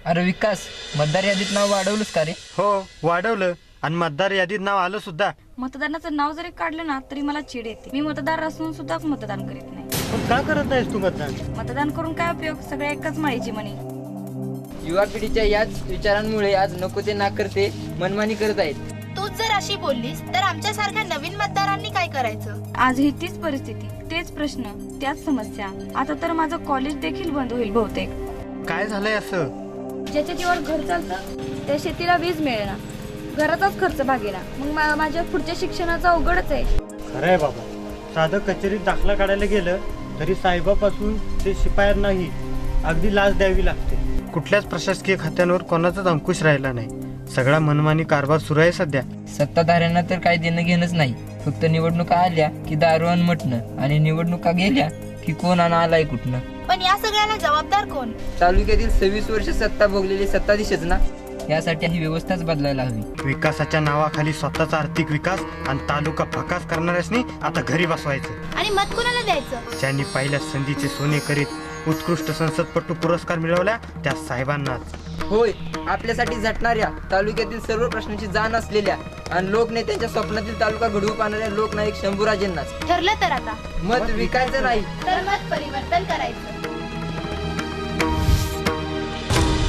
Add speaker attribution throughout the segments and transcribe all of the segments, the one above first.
Speaker 1: अरे विकास, मतदार यादीत नाव वाढवलंस का रे?
Speaker 2: हो वाढवलं आणि मतदार यादीत नाव आलं सुद्धा.
Speaker 3: मतदानाचं नाव जरी काढलं ना तरी मला चिड येते. मी मतदार असून सुद्धा मतदान करीत नाही.
Speaker 2: पण का करत नाहीस तू मतदान?
Speaker 3: मतदान करून काय उपयोग? सगळे एकच माळीची मणी.
Speaker 1: युवा पिढीच्या याच विचारांमुळे आज नको ते नाकारते मनमानी करत आहेत.
Speaker 4: तूच जर अशी बोललीस तर आमच्यासारख्या नवीन मतदारांनी काय करायचं?
Speaker 3: आजही तीच परिस्थिती, तेच प्रश्न, त्याच समस्या. आता तर माझं कॉलेज देखील बंद होईल बहुतेक.
Speaker 2: काय झालंय असं?
Speaker 3: ज्याच्या जीवावर घर चालतं त्या शेतीला वीज मिळेना, घराचाच खर्च भागेना. मग माझ्या पुढच्या शिक्षणाचा अवघडच आहे.
Speaker 2: खरंय बाबा, साधं कचेरीत दाखला काढायला गेलं तरी साहेबापासून ते शिपायांनाही अगदी लाच द्यावी लागते. कुठल्याच प्रशासकीय खात्यांवर कोणाचाच अंकुश राहिला नाही. सगळा मनमानी कारभार सुरू आहे सध्या.
Speaker 1: सत्ताधाऱ्यांना तर काही देणं घेणंच नाही. फक्त निवडणुका आल्या की दारू आणि मटणं, आणि निवडणुका गेल्या की कोण आणि आलाय कुठनं.
Speaker 4: पण या सगळ्याला जबाबदार कोण?
Speaker 1: तालुक्यातील 26 वर्ष सत्ता भोगलेले सत्ताधीशच ना. यासाठी ही व्यवस्थाच बदलायला हवी.
Speaker 2: विकासाच्या नावाखाली स्वतःचा आर्थिक विकास आणि तालुका फकास करणाऱ्यांनी आता घरी बसवायचं.
Speaker 4: आणि मत कोणाला द्यायचं?
Speaker 2: ज्यांनी पहिल्या संधीचे सोने करीत उत्कृष्ट संसदपटू पुरस्कार मिळवला त्या साहेबांनाच.
Speaker 1: होय, आपल्यासाठी झटणाऱ्या, तालुक्यातील सर्व प्रश्नांची जाण असलेल्या आणि लोकनेत्यांच्या स्वप्नातील तालुका घडवू पाहणाऱ्या लोकनायक शंभूराजेंनाच.
Speaker 4: ठरलं तर आता
Speaker 1: मत विकायचं नाही
Speaker 4: तर मत परिवर्तन करायचं.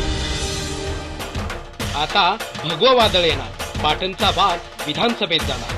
Speaker 5: आता भगवं वादळ येणार. पाटणचा वाद विधानसभेत जाणार.